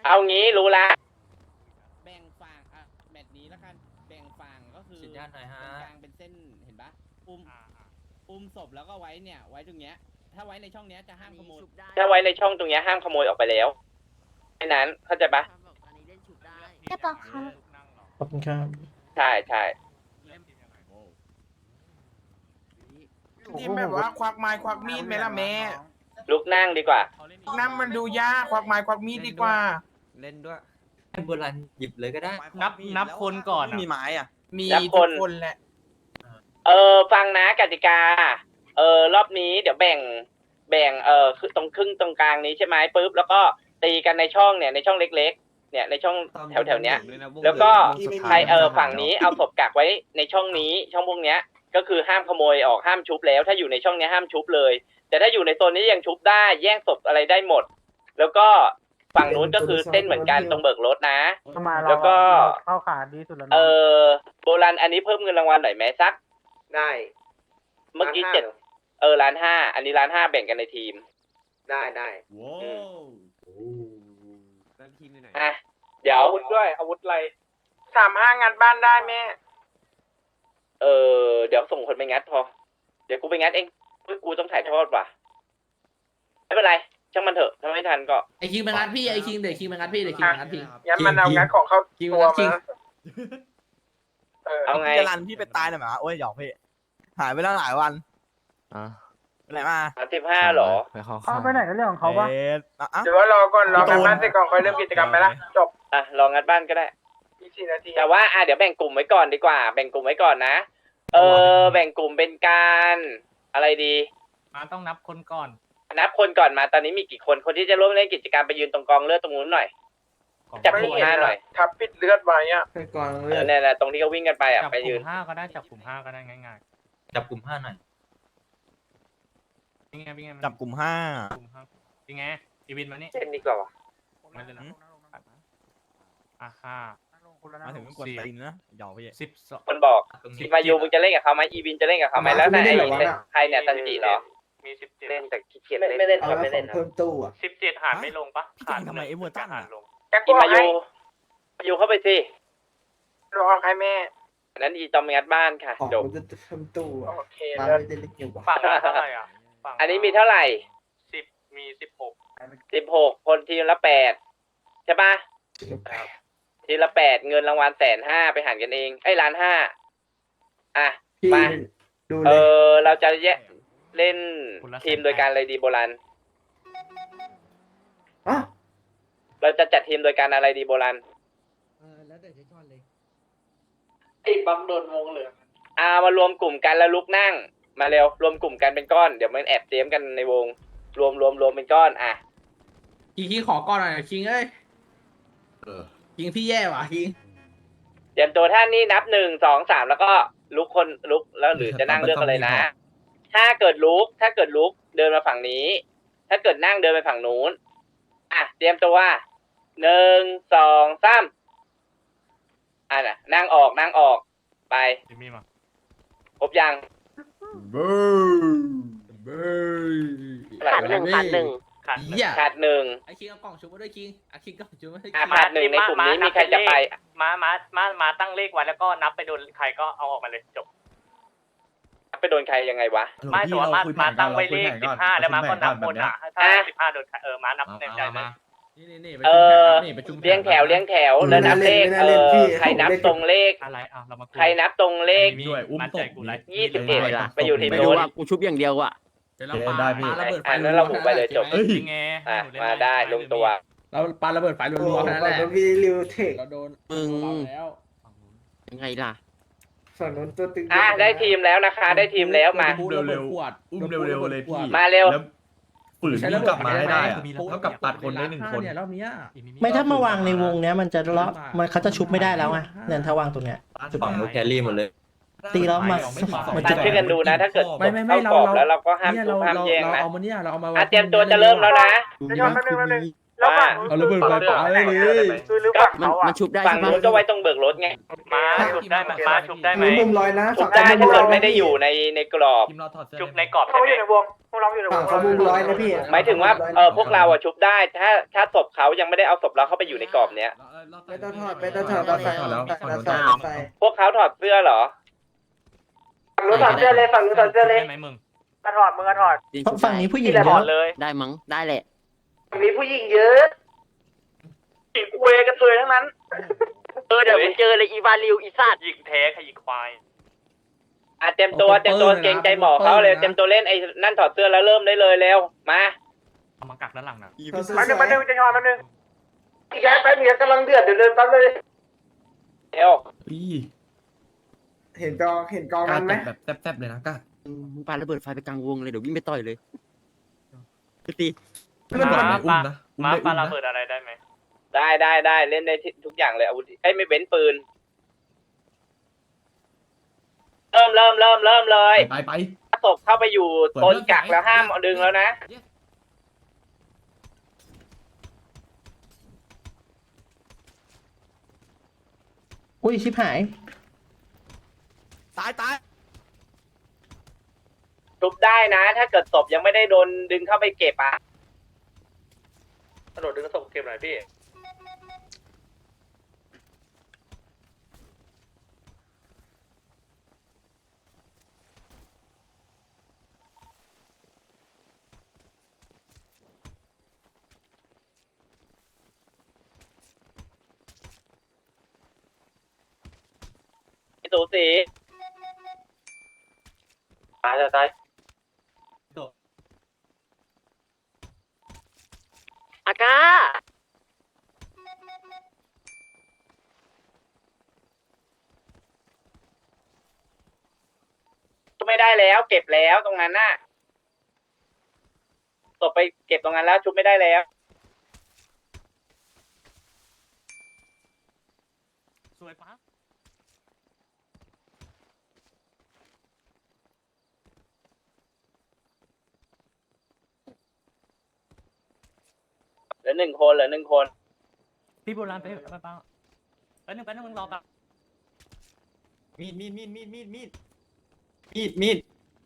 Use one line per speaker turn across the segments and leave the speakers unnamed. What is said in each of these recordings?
เอางี้รู้ละ
แบ่งฝั่งแบบนี้แล้วกันแบ่งฝั่งก็คือ
สัญญาณหน่อยฮะ
ตรงกลางเป็นเส้นเห็นปะอุ้มศพแล้วก็ไว้เนี่ยไว้ตรงเนี้ยถ้าไว้ในช่องเนี้ยจะห้ามขโมย
ถ้าไว้ในช่องตรงเนี้ยห้ามขโมยออกไปแล้วแค่นั้นเข้าใจปะ
ใช่ปะครับ
ขอบคุณครับ
ใช่ใช่
ที่แบบว่าควักไม้ควักมีดไหมล่ะแม่
ลุกนั่งดีกว่า
นั่นมันดูยากควักไม้ควักมีดดีกว่า
เล่นด้วยให้โบราณหยิบเลยก็ได้
นับคนก่อน
มีไม้อ่ะ
มีทุกคนแหละ
ฟังนะกติการอบนี้เดี๋ยวแบ่งคือตรงครึ่งตรงกลางนี้ใช่ไหมปุ๊บแล้วก็ตีกันในช่องเนี่ยในช่องเล็กๆเนี่ยในช่องแถวๆเนี้ยแล้วก็ใครฝั่งนี้เอาศพกักไว้ในช่องนี้ช่องพวกเนี้ยก็คือห้ามขโมยออกห้ามชุบแล้วถ้าอยู่ในช่องนี้ห้ามชุบเลยแต่ถ้าอยู่ในโซนนี้ยังชุบได้แย่งศพอะไรได้หมด แล้วก็ฝั่งนู้นก็คือเส้นเหมือนกันตรงเบิกรถนะแล้วก็เข้าขาดีสุดแล้วโบราณอันนี้เพิ่มเงินรางวัลหน่อยไหมสักได้เมื่อกี้1,500,000อันนี้1,500,000แบ่งกันในทีมได้
ว้าวแล้วทีมไหน
อ่ะเดี๋ยวอาวุธด้วยอาวุธอะไร
35งานบ้านได้แม่
เดี๋ยวส่งคนไปงัดพอเดี๋ยวกูไปงัดเองกูต้องถ่ายทอดว่ะไม่เป็นไรช่างมันเถอะถ้าไม่ทันก็
ไอคิงมางัดพี่ไอคิงเดี๋ยวคิงมางัดพี่เดี๋ยวคิงมางัดพี่
งั้นมันเอางัดของเข้า
คิง
ตั
มาว งัดคิ
มาง
เอาไง
จะรันพี่ไปตายหน่อยมาโอ้ยหยอกพี่หายไปแล้วหลายวันไปไหนมา
35หรอ
เขาไปไหนกันเรื่องของเขาปะ
หรือว่ารอก่อนรองานบ้านเสร็จก่อนค่อยเริ่มกิจกรรมไปละจบ
ลองงัดบ้านก็ได้
อีก4 นาที
แต่ว่าเดี๋ยวแบ่งกลุ่มไว้ก่อนดีกว่า แบ่งกลุ่มไว้ก่อนนะแบ่งกลุ่มเป็นการอะไรดี
มาต้องนับคนก่อน
นับคนก่อนมาตอนนี้มีกี่คนคนที่จะร่วมเล่นกิจกรรมไปยืนตรงกองเลือดตรงนู้นหน่อยจับกลุ่ม5หน่อย
ทับปิดเลือดไว้อะ
ไปก่อนเรื่อง
เนี่ยตรงที่เขาวิ่งกันไป
จับ
ไป
ก
ยื
ลุ่
น
ม5ก็ได้จับกลุ่ม5ก็ได้ง่าย
จับกลุ่ม5หน่อย
ๆเป็นไง
จับกลุ่ม5
กลุ่ม5เป็นไงอีวินมานี่
เล่นดีกว่าวะ
มาเลยนะ5
มาถึงก็กดตีนนะหยอกพี่
12
คนบอก
ตรง
ที
นี้
มายูมึงจะเล่นกับเขาไหมอีวินจะเล่นกับเขาไหมแล้วไหนใครเนี่ยตันจิเหรอ
มี17
เล่นแต่ขี้เกียจไม่เล่นครับไม่เล่นครับ
เพิ่มตู้อ่ะ
17หารไม่ลงปะ
พี่จังทำไมไอ้เวอร์ตัน
หา
อ่ะ
รลง
แก
อี
ก็
มา
ให้
ยูเข้าไปสิ
รอให้แม่
อันนั้นอีจอมงัดบ้านค่ะ
ของ
จบ
มันจะเพิ่มตู้อ่ะ
โอเค
มา
เลิศ
ไม่ได้เล็กอยู่ว่ะ
ฝั่งละเท่าไหร่อ่ะฝั่ง
อันนี้มีเท่าไหร่
10มี16
16คนทีมละ8ใช่ปะทีมละ8เงินรางวัล150,000ไปหารกันเอง1,500,000อ่ะ
พี่
มา
ดูเลย
เราจะเล่นทีมโดยการอะไรดีโบราณ
อ่ะ
เราจะจัดทีมโดยการอะไรดีโบราณ
แล้วแต่จะชอบเลย
ไอ้บัมโดนวงเหลือง
มารวมกลุ่มกันแล้วลุกนั่ง มาเร็วรวมกลุ่มกันเป็นก้อนเดี๋ยวมันแอบเตรียมกันในวงรวมเป็นก้อนอ่ะ
คิงขอก่อนหน่อยคิงเอ้ยคิงพี่แย่ว่ะคิง
เตรียมตัวท่านนี้นับ1 2 3แล้วก็ลุกแล้วหรือจะนั่งเลือกอะไรนะ ถ้าเกิดลุกเดินมาฝั่งนี้ ถ้าเกิดนั่งเดินไปฝั่งนู้นอ่ะเตรียมตัว1 2 3น่ะนั่งออกไป
จิมมี่มา
ครบยัง
ขาดหนึ่ง
ขาด
เหี้ย
ขาดหนึ่ง
ไอคิงเอากล่องชุบมาด้วยคิงไอคิงกล่องชุบมาด้วย
ขาดหนึ่งในกลุ่มนี้มีใครจะไป
มาตั้งเลขไว้แล้วก็นับไปโดนใครก็เอาออกมาเลยจบ
ไปโดนใครยังไงวะ
ไม่แต่ว่ามาตั้งไว้เลข15แล้วมาก็นับบนอ่ะถ้า15โดนมานับเต็มใจเลย
นี่
เลี้ยงแถวแล้วนับเลขใครนับตรงเลข
อะไรเรามา
ใครนับตรงเลข
มั่นใจกูไร
21ไปอยู่ทีม
ไม่รู้
โน้น
ว่ากูชุบอย่างเดียวอ่ะ
เดี๋ยวเราปาระเบิดไฟ
นั้นเราบุกไปเลยจบ
ยังไง
มาได้ลงตัว
เราปาระเบิดไฟรัวๆแค่นั้นแหละ
ฝั่งนู้นมีริวเทค
เราโดน
มึง
แล้ว
ยังไงล่ะ
ฝั่งนู้นตัวตึง
ได้ทีมแล้วนะคะ ได้ทีมแล้วมา
เร็วๆอุ้มเร็วๆเลยพี่
มาเร็ว
ฝืนกลับมาให้ได้อะเท่ากับตัดคนได้1 คนเนี่ยรอบนี้
ไม่ถ้ามาวางในวงเนี้ยมันจะเลาะมันเขาจะชุบไม่ได้แล้วไงเนี่ยถ้าวางตรงเนี้ย
ฝั่งนู้นแครี่หมดเลย
ตีแล้วมา
ตัดช่วยกันดูนะ ถ้าเกิด
ไม่
เข้ากรอบแล้วเราก็ห้าม
เนี่ย
ทุบห้ามแย่งนะ
เราเอามาเนี่ยเราเอามา
เตรียมตัวจะเริ่มแล้วนะ
เดี๋ยวแป๊บนึง
พร้ว่า
เอาระเบิดไฟป่าเลยเลย
คือหรือฝั่ง
มัน
เขาอ่ะ
มันชุบได้
ฝั่ง
ใช่ปะ
นู้นก็ไว้ตรงเบิกรถไง
มาชุบได้ไหมมาชุบได้ไหม
มุมลอยนะ
ชุบได้ถ้าเกิดไม่ได้อยู่ในกรอบ
ทีมเราถอดเสื้อ
ชุบในกรอบ
เขา
ใช่ไหม
อยู่ในวงพวกเราอยู่ในวง
เขามุมร้อยนะพี่
หมายถึงว่าพวกเราอะชุบได้ถ้าศพเขายังไม่ได้เอาศพเราเข้าไปอยู่ในกรอบเนี้ย
ไปต้องถอดไปต้องถอดใส่
ถอดแล้ว
ใส่
พวกเขาถอดเสื้อเหรอ
ฝั่งนู้นถอดเสื้อเลยฝั่งนู้นถอดเสื้อเลย
ได้ไหมมึง
กระถอดมึงกระถอด
จริง
เพราะฝั่งนี้ผู้หญิง
ที่
เย
ถอด
อะ
เลย
ได้มั้งได้แหละ
ฝั่งนี้ผู้หญิงเยอะอีกเวกันเทยทั้งนั้น
เดี๋ยวมันเจอเลยอีวาลิวอีสัตว์
หยิงแท้ขยิงควาย
เต็มตัวเกรงใจหมอเขาเลยเต็มตัวเล่นไอ้นั่นถอดเสื้อแล้วเริ่มได้เลยเร็วมา
เอามากักด้านหลังนะ
มาหนึ่งจะถอดมาหนึ่งอีกแค่แป๊บนึงกำลังเดือดเดี๋ยวเดินแป๊บเลย
เร็ว
เห็นกอง
กล้า
นั้นไหม
แบบแซ่บๆเลยนะกล้า
มึงปาระเบิดไฟไปกลางวงเลยเดี๋ยววิ่งไปต่อยเลยไปตี
ไม่บอกไหนอุ้มนะอุ้ม
มา
ได้
ปา
อุ้ม
ระ
นะ
เบิดอะไรได้ไหม
ได้เล่นได้ทุกอย่างเลยอาวุธไม่เว้นปืนเริ่มเลย
ไป
ถ้าศพเข้าไปอยู่โซนกักแล้วห้ามดึงแล้วนะ
อุ้ยชิบหาย
ตาย
ชุบได้นะ ถ้าเกิดศพยังไม่ได้โดนดึงเข้าไปเก็บอ่ะ
กระโดดดึงศพเก็บหน่อยพี่
สูสีตาย
อากา
ไม่ได้แล้ว เก็บแล้วตรงนั้นน่ะศพไปเก็บตรงนั้นแล้วชุบไม่ได้แล้ว
สวยปะ
เหลือหนึ่งคน
พี่โบราณไปปังแป๊บนึงมึงรอแป๊บ
มีด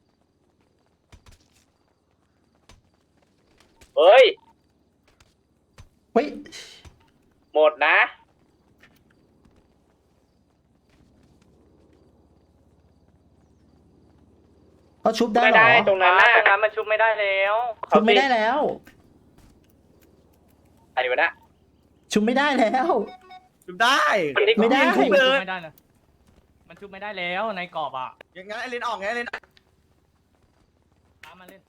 เฮ้ย
เฮ้ย
หมดนะ
เขาชุบได้
ไม่
เหรอ
ได้ตรงนั้นน่ะ
ตรงนั้นมันชุบไม่ได้แล้ว
ชุบไม่ได้แล้ว
อะไรวะนะ
ชุบไม่ได้แล้ว
ชุบได้
ไม่ได้
ชุบไม่ได้นะมันชุบไม่ได้แล้วในกรอบอ่ะ
ยังไงไอเลนออกไงไอเลน
ตามมาเล่น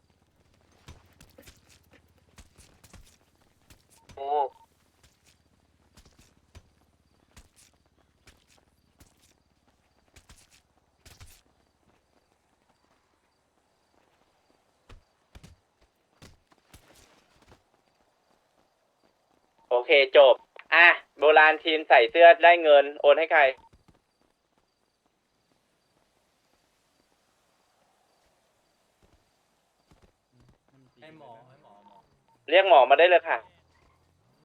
โอเคจบ อ่ะ โบราณทีมใส่เสื้อได้เงิน โอนให้ใคร
ไอหมอ
เรียกหมอมาได้เลยค่ะ